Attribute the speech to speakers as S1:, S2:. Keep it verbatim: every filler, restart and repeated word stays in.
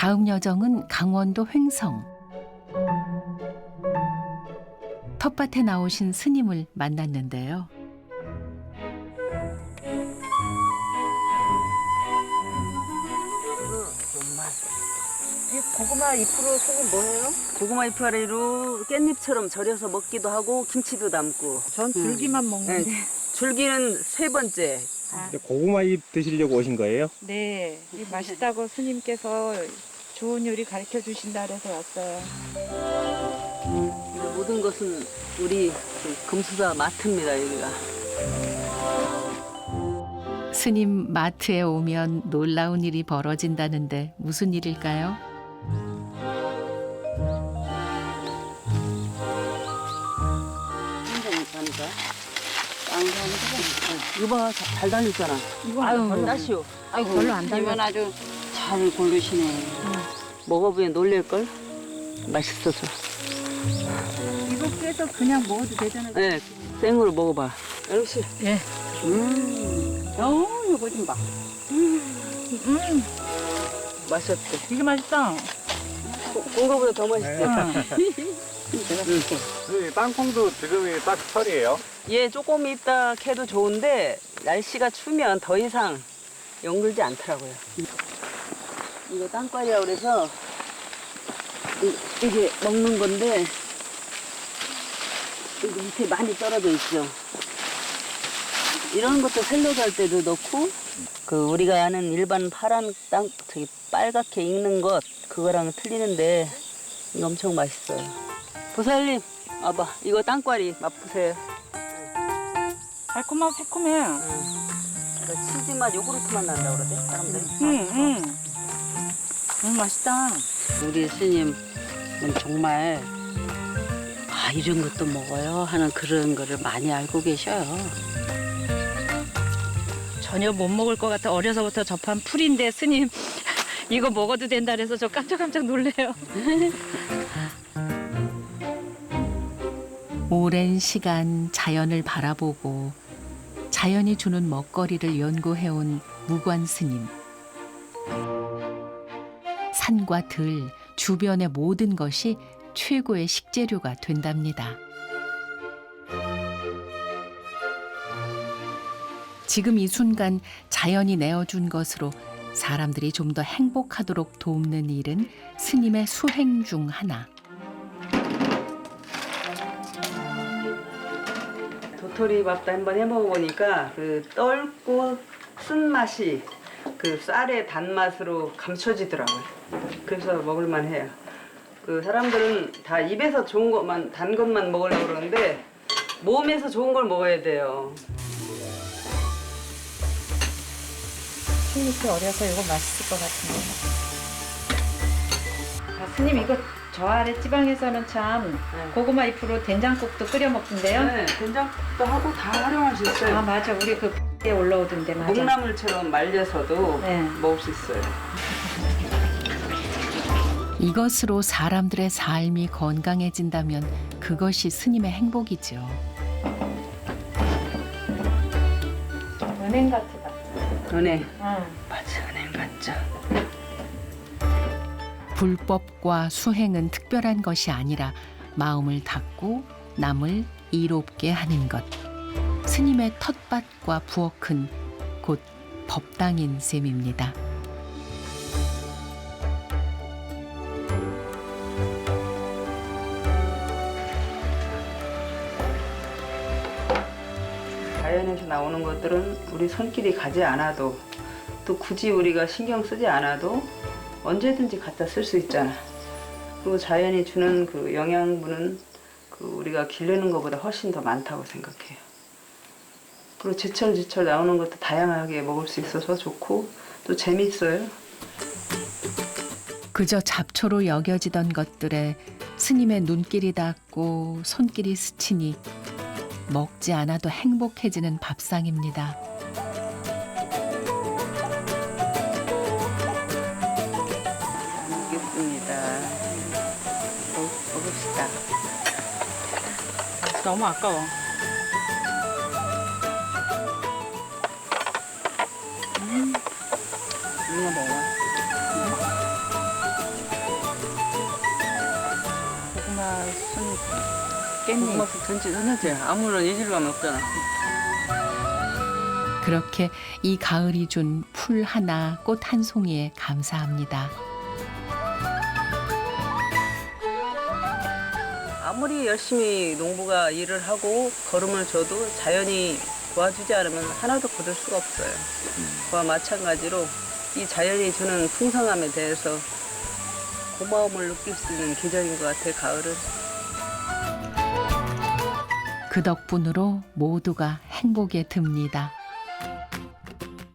S1: 다음 여정은 강원도 횡성. 텃밭에 나오신 스님을 만났는데요.
S2: 이 고구마 잎으로 스님 뭐해요? 고구마 잎으로 깻잎처럼 절여서 먹기도 하고 김치도 담고.
S3: 전 줄기만 먹는데.
S2: 네, 줄기는 세 번째.
S3: 아,
S4: 고구마 잎 드시려고 오신 거예요?
S3: 네, 이 맛있다고 스님께서 좋은 요리 가르쳐 주신다 그래서 왔어요.
S2: 음, 모든 것은 우리 그 금수사 마트입니다, 여기가.
S1: 스님 마트에 오면 놀라운 일이 벌어진다는데 무슨 일일까요?
S2: 한정이니까. 이거 봐, 잘 달렸잖아.
S3: 이거
S2: 아유, 따시오. 아이고,
S3: 별로 안 달려.
S2: 이건 아주 잘 고르시네. 먹어보면 놀랄걸? 맛있어서.
S3: 이거 깨서 그냥 먹어도 되잖아요.
S2: 네, 생으로 먹어봐. 영씨.
S3: 예.
S2: 음, 어, 이거 좀 봐.
S3: 음,
S2: 맛있었대.
S3: 되게 맛있다.
S2: 본 거보다 더 맛있대.
S4: 네, 땅콩도 지금이 딱 철이에요.
S2: 얘 조금 있다 캐도 좋은데 날씨가 추면 더 이상 연글지 않더라고요. 이거 땅과리라고 그래서 이, 이게 먹는 건데 여기 밑에 많이 떨어져 있죠. 이런 것도 샐러드 할 때도 넣고 그 우리가 아는 일반 파란 땅 저기 빨갛게 익는 것 그거랑 틀리는데 이거 엄청 맛있어요. 보살님 와봐 이거 땅과리 맛보세요.
S3: 달콤하고 새콤해.
S2: 이거 치즈 맛 요구르트 맛 난다 그러대 사람들이.
S3: 응, 응. 너무 맛있다.
S2: 우리 스님은 정말 아 이런 것도 먹어요 하는 그런 거를 많이 알고 계셔요.
S3: 전혀 못 먹을 것 같아. 어려서부터 접한 풀인데 스님 이거 먹어도 된다 그래서 저 깜짝깜짝 놀래요.
S1: 오랜 시간 자연을 바라보고 자연이 주는 먹거리를 연구해온 무관 스님. 산과 들, 주변의 모든 것이 최고의 식재료가 된답니다. 지금 이 순간 자연이 내어준 것으로 사람들이 좀 더 행복하도록 돕는 일은 스님의 수행 중 하나.
S2: 도토리 밥도 한번 해 먹어보니까 그 떫고 쓴맛이 그 쌀의 단맛으로 감춰지더라고요. 그래서 먹을만 해요. 그 사람들은 다 입에서 좋은 것만 단 것만 먹으려고 그러는데 몸에서 좋은 걸 먹어야 돼요.
S3: 스님께 어려서 이거 맛있을 것 같은데. 아, 스님 이거 저 아래 지방에서는 참
S2: 네.
S3: 고구마 잎으로 된장국도 끓여 먹던데요.
S2: 네, 된장국도 하고 다 활용할 수 있어요.
S3: 아 맞아, 우리 그 에 올라오던데 맞아.
S2: 묵나물처럼 말려서도
S3: 네.
S2: 먹을 수 있어요.
S1: 이것으로 사람들의 삶이 건강해진다면 그것이 스님의 행복이죠.
S3: 은행 같다.
S2: 은행.
S3: 응.
S2: 맞아, 은행 같죠.
S1: 불법과 수행은 특별한 것이 아니라 마음을 닫고 남을 이롭게 하는 것. 스님의 텃밭과 부엌은 곧 법당인 셈입니다.
S2: 자연에서 나오는 것들은 우리 손길이 가지 않아도 또 굳이 우리가 신경 쓰지 않아도 언제든지 갖다 쓸 수 있잖아. 그리고 자연이 주는 그 영양분은 그 우리가 기르는 것보다 훨씬 더 많다고 생각해요. 그리고 제철 제철 나오는 것도 다양하게 먹을 수 있어서 좋고 또 재밌어요.
S1: 그저 잡초로 여겨지던 것들에 스님의 눈길이 닿고 손길이 스치니 먹지 않아도 행복해지는 밥상입니다.
S2: 먹겠습니다. 먹, 먹읍시다.
S3: 너무 아까워.
S2: 이거 먹어.
S3: 깻잎.
S2: 고구마쑥 전체 전체 아무런 이질감이 없잖아.
S1: 그렇게 이 가을이 준 풀 하나, 꽃 한 송이에 감사합니다.
S2: 아무리 열심히 농부가 일을 하고 걸음을 줘도 자연이 도와주지 않으면 하나도 거둘 수가 없어요. 그와 마찬가지로 이 자연이 주는 풍성함에 대해서 고마움을 느낄 수 있는 계절인 것 같아요, 가을은.
S1: 그 덕분으로 모두가 행복에 듭니다.